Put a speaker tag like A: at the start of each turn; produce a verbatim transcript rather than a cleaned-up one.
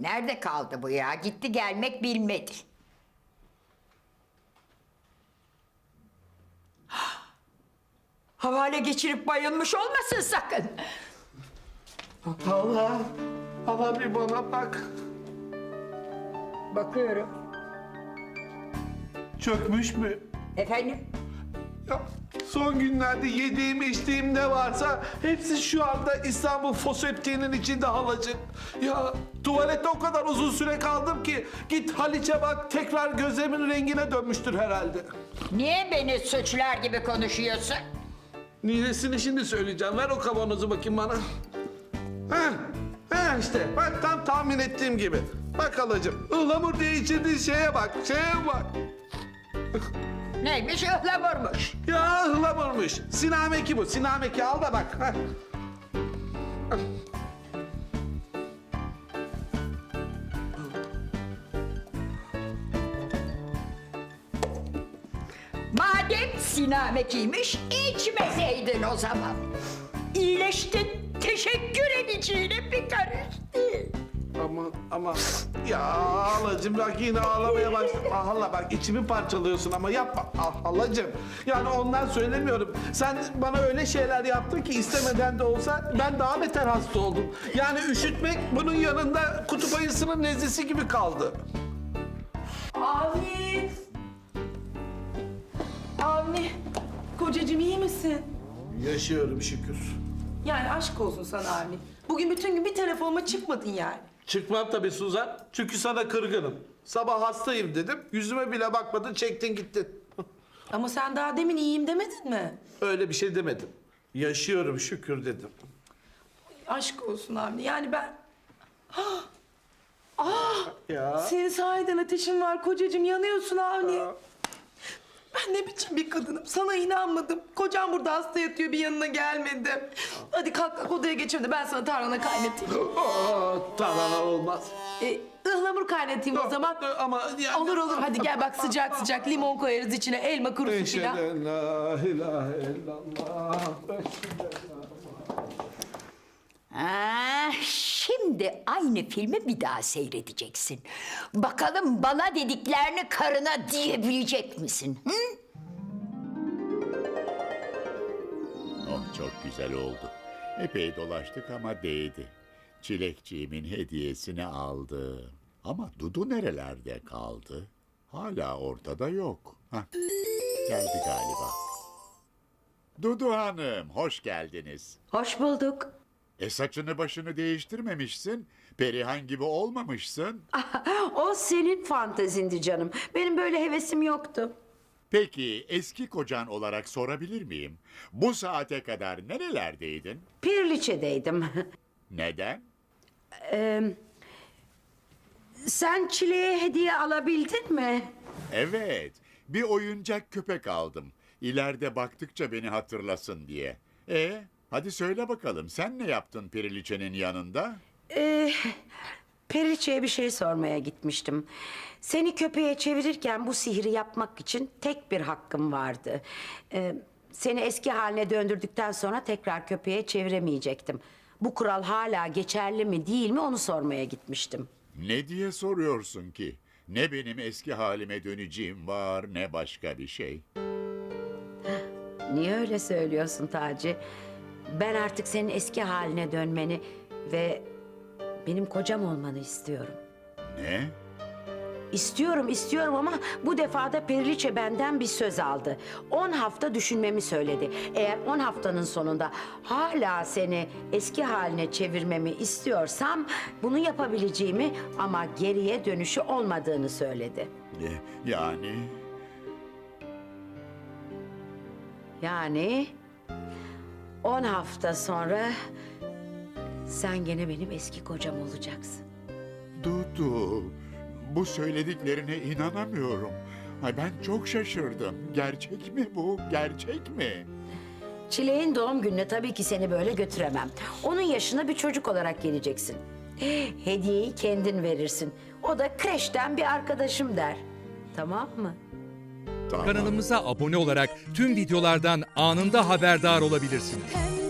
A: Nerede kaldı bu ya? Gitti gelmek bilmedi. Havale geçirip bayılmış olmasın sakın.
B: Allah, Allah bir bana bak.
A: Bakıyorum.
B: Çökmüş mü?
A: Efendim?
B: Ya, son günlerde yediğim içtiğim ne varsa hepsi şu anda İstanbul foseptiğinin içinde halacık. Ya tuvalette o kadar uzun süre kaldım ki git Haliç'e bak tekrar gözlerimin rengine dönmüştür herhalde.
A: Niye beni suçlar gibi konuşuyorsun?
B: Ninesini şimdi söyleyeceğim. Ver o kavanozu bakayım bana. Heh, heh işte bak tam tahmin ettiğim gibi. Bak halacığım ıhlamur diye içirdiğin şeye bak, şeye bak.
A: Neymiş ıhlamurmuş.
B: Ya ıhlamurmuş. Sinameki bu, sinameki al da bak. Heh.
A: Madem sinamekiymiş, içmeseydin o zaman. İyileştin, teşekkür edeceğine bir karış değil.
B: Ama ama ya halacığım bak yine ağlamaya başladım. Ah hala bak içimi parçalıyorsun ama yapma. Ah halacığım. Yani ondan söylemiyorum. Sen bana öyle şeyler yaptın ki istemeden de olsa ben daha beter hasta oldum. Yani üşütmek bunun yanında kutup ayısının nezlesi gibi kaldı.
C: Avni! Avni! Kocacığım iyi misin?
B: Yaşıyorum şükür.
C: Yani aşk olsun sana Avni. Bugün bütün gün bir telefonuma çıkmadın yani.
B: Çıkmam tabii Suzan. Çünkü sana kırgınım. Sabah hastayım dedim. Yüzüme bile bakmadın, çektin gittin.
C: Ama sen daha demin iyiyim demedin mi?
B: Öyle bir şey demedim. Yaşıyorum şükür dedim.
C: Aşk olsun Avni. Yani ben... Ah! Ah!
B: Ya.
C: Senin sahiden ateşin var kocacığım. Yanıyorsun Avni. Ben ne biçim bir kadınım. Sana inanmadım. Kocam burada hasta yatıyor bir yanına gelmedim. Hadi kalk kalk odaya geçelim de ben sana tarhana kaynatayım.
B: Aa, tamam olmaz.
C: Ee, ıhlamur kaynatayım o zaman.
B: Ama yani...
C: Olur olur hadi gel bak sıcak sıcak limon koyarız içine elma kurusu
B: Eşhedü
C: filan.
B: en la ilahe illallah.
A: Ah, şimdi aynı filmi bir daha seyredeceksin. Bakalım bana dediklerini karına diyebilecek misin? Hı?
D: Oh çok güzel oldu. Epey dolaştık ama değdi. Çilekçiğimin hediyesini aldı. Ama Dudu nerelerde kaldı? Hala ortada yok. Hah, geldi galiba. Dudu Hanım, hoş geldiniz.
E: Hoş bulduk.
D: E saçını başını değiştirmemişsin. Perihan gibi olmamışsın.
E: O senin fantezindi canım. Benim böyle hevesim yoktu.
D: Peki eski kocan olarak sorabilir miyim? Bu saate kadar nerelerdeydin?
E: Pirliçe'deydim.
D: Neden?
E: Ee, sen Çile'ye hediye alabildin mi?
D: Evet, bir oyuncak köpek aldım. İleride baktıkça beni hatırlasın diye. E, hadi söyle bakalım, sen ne yaptın Periliçe'nin yanında?
E: Ee, Periliçe'ye bir şey sormaya gitmiştim. Seni köpeğe çevirirken bu sihri yapmak için tek bir hakkım vardı. Ee, seni eski haline döndürdükten sonra tekrar köpeğe çeviremeyecektim. Bu kural hala geçerli mi değil mi onu sormaya gitmiştim.
D: Ne diye soruyorsun ki? Ne benim eski halime döneceğim var, ne başka bir şey.
E: Niye öyle söylüyorsun Taci? Ben artık senin eski haline dönmeni ve benim kocam olmanı istiyorum.
D: Ne?
E: İstiyorum, istiyorum ama bu defa da Periliçe benden bir söz aldı. On hafta düşünmemi söyledi. Eğer on haftanın sonunda hala seni eski haline çevirmemi istiyorsam bunu yapabileceğimi ama geriye dönüşü olmadığını söyledi.
D: Ne? Yani?
E: Yani on hafta sonra sen gene benim eski kocam olacaksın.
D: Dudu, bu söylediklerine inanamıyorum. Ay ben çok şaşırdım. Gerçek mi bu? Gerçek mi?
E: Çileğin doğum gününe tabii ki seni böyle götüremem. Onun yaşına bir çocuk olarak geleceksin. Hediyeyi kendin verirsin. O da kreşten bir arkadaşım der. Tamam mı?
D: Tamam.
F: Kanalımıza abone olarak tüm videolardan anında haberdar olabilirsiniz.
G: Pembe